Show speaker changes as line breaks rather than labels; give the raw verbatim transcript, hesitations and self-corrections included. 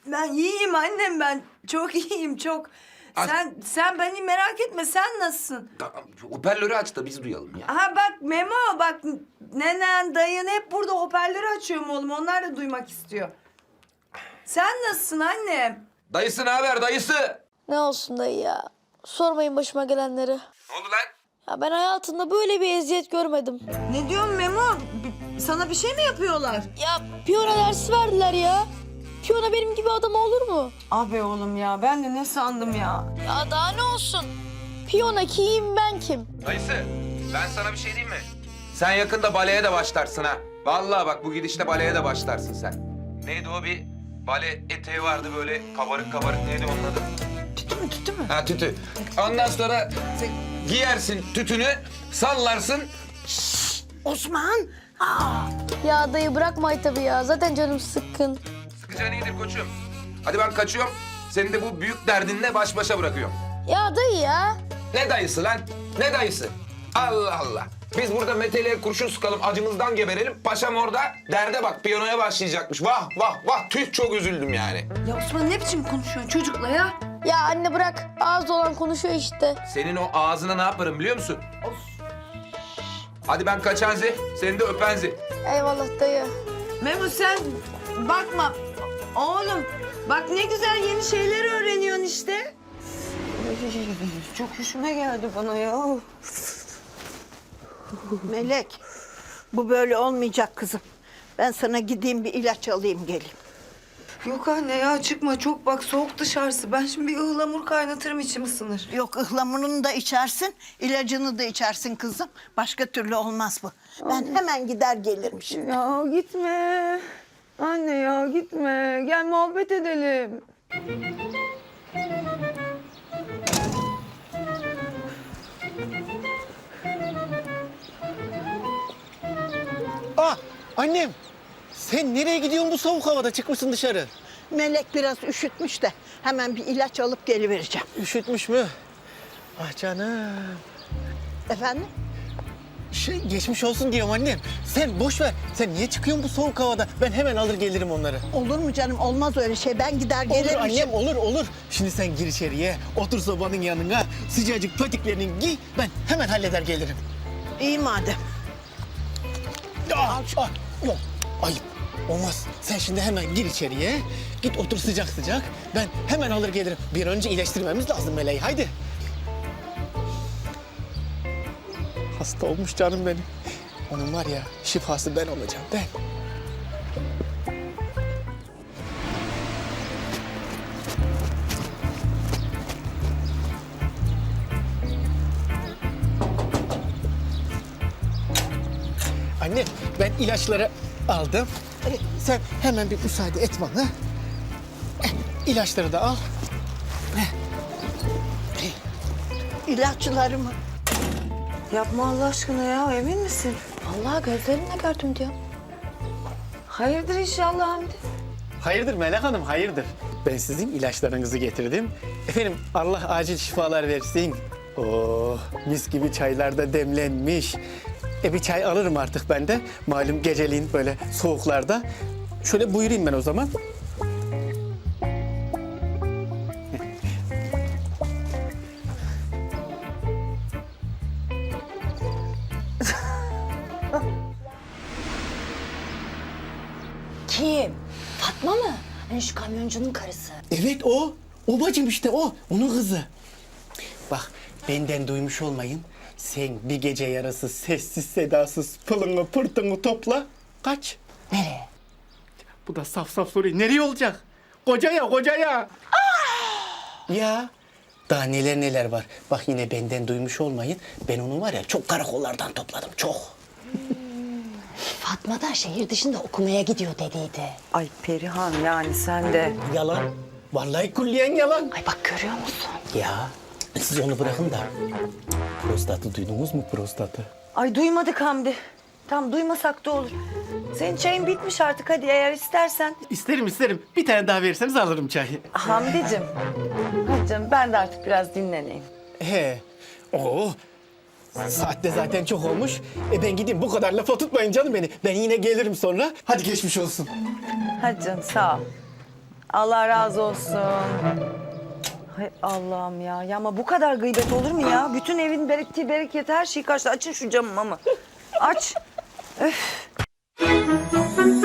Ben iyiyim annem ben. Çok iyiyim çok.
Ay-
Sen sen beni merak etme. Sen nasılsın?
Tamam, hoparlörü aç da biz duyalım ya.
Ha bak Memo bak nenen dayın hep burada hoparlörü açıyorum oğlum. Onlar da duymak istiyor. Sen nasılsın annem?
Dayısı ne haber dayısı?
Ne olsun dayı ya. Sormayın başıma gelenleri.
Ne oldu lan?
Ya ben hayatımda böyle bir eziyet görmedim.
Ne diyorsun Memo? B- Sana bir şey mi yapıyorlar?
Ya piyano dersi verdiler ya. Piyano benim gibi adam olur mu?
Abi oğlum ya ben de ne sandım ya?
Ya daha ne olsun? Piyano kim ben kim?
Dayısı ben sana bir şey diyeyim mi? Sen yakında baleye de başlarsın ha. Vallahi bak bu gidişte baleye de başlarsın sen. Neydi o bir bale eteği vardı böyle kabarık kabarık neydi onun adı?
Tütü mü tütü mü?
Ha tütü. Ondan sonra sen giyersin tütünü sallarsın.
Osman! Aa!
Ya dayı bırakma tabii ya. Zaten canım sıkkın.
Sıkıcı iyidir koçum. Hadi ben kaçıyorum. Seni de bu büyük derdinle baş başa bırakıyorum.
Ya dayı ya.
Ne dayısı lan? Ne dayısı? Allah Allah. Biz burada meteliğe kurşun sıkalım, acımızdan geberelim. Paşam orada derde bak, piyanoya başlayacakmış. Vah vah vah, tüh çok üzüldüm yani.
Ya Osman ne biçim konuşuyorsun çocukla ya?
Ya anne bırak. Ağız olan konuşuyor işte.
Senin o ağzına ne yaparım biliyor musun? Hadi ben kaçanzi, seni de öpenzi.
Eyvallah dayı.
Memo sen bakma. Oğlum bak ne güzel yeni şeyler öğreniyorsun işte. Çok hoşuma geldi bana ya.
Melek, bu böyle olmayacak kızım. Ben sana gideyim bir ilaç alayım geleyim.
Yok anne ya çıkma çok bak soğuk dışarısı. Ben şimdi bir ıhlamur kaynatırım içim ısınır.
Yok ıhlamurunu da içersin, ilacını da içersin kızım. Başka türlü olmaz bu. Ben hemen gider gelirim şimdi.
Ya gitme. Anne ya gitme. Gel muhabbet edelim.
Ah annem sen nereye gidiyorsun bu soğuk havada çıkmışsın dışarı?
Melek biraz üşütmüş de hemen bir ilaç alıp gelivereceğim.
Üşütmüş mü? Ah canım.
Efendim?
Şey geçmiş olsun diyorum annem. Sen boş ver. Sen niye çıkıyorsun bu soğuk havada? Ben hemen alır gelirim onları.
Olur mu canım? Olmaz öyle şey. Ben gider
Olur
gelirim.
annem olur olur. Şimdi sen gir içeriye. Otur sobanın yanına. Sıcacık patiklerini giy. Ben hemen halleder gelirim.
İyi madem.
Ah, ah, yok ayıp. Olmaz. Sen şimdi hemen gir içeriye. Git otur sıcak sıcak. Ben hemen alır gelirim. Bir an önce iyileştirmemiz lazım Meleği. Haydi. Hasta olmuş canım benim. Onun var ya şifası ben olacağım ben. Anne ben ilaçları aldım. E, sen hemen bir müsaade et bana. Eh, İlaçları da al.
İlaçlarımı.
Yapma Allah aşkına ya emin misin?
Vallahi gözlerimle gördüm diyor.
Hayırdır inşallah Hamdi.
Hayırdır Melek Hanım, hayırdır. Ben sizin ilaçlarınızı getirdim. Efendim Allah acil şifalar versin. Oh, mis gibi çaylar da demlenmiş. E bir çay alırım artık ben de. Malum geceliğin böyle soğuklarda. Şöyle buyurayım ben o zaman.
Kim? Fatma mı? Hani şu kamyoncunun karısı.
Evet o. O bacım işte o. Onun kızı. Bak benden duymuş olmayın. Sen bir gece yarısı sessiz sedasız pılını pırtını topla. Kaç.
Nereye?
Bu da saf saf soruyor. Nereye olacak? Kocaya, kocaya. Ya. Daha neler neler var. Bak yine benden duymuş olmayın. Ben onu var ya çok karakollardan topladım. Çok.
Fatma da şehir dışında okumaya gidiyor dediydi.
Ay Perihan yani sen de.
Yalan. Vallahi kulliyen yalan.
Ay bak görüyor musun?
Ya. Siz onu bırakın da. Prostatı duydunuz mu prostatı?
Ay duymadık Hamdi. Tam duymasak da olur. Senin çayın bitmiş artık hadi eğer istersen.
İsterim isterim. Bir tane daha verirseniz alırım çayı.
Hamdi'cim. Hadi canım ben de artık biraz dinleneyim.
He. Oo. Saat de zaten çok olmuş. E ben gideyim bu kadar lafa tutmayın canım beni. Ben yine gelirim sonra. Hadi geçmiş olsun.
Hadi canım sağ ol. Allah razı olsun. Hay Allah'ım ya. Ya ama bu kadar gıybet olur mu ya? Bütün evin bereketi, bereketi her şeyi kaçtı. Açın şu camımı ama. Aç. Öf.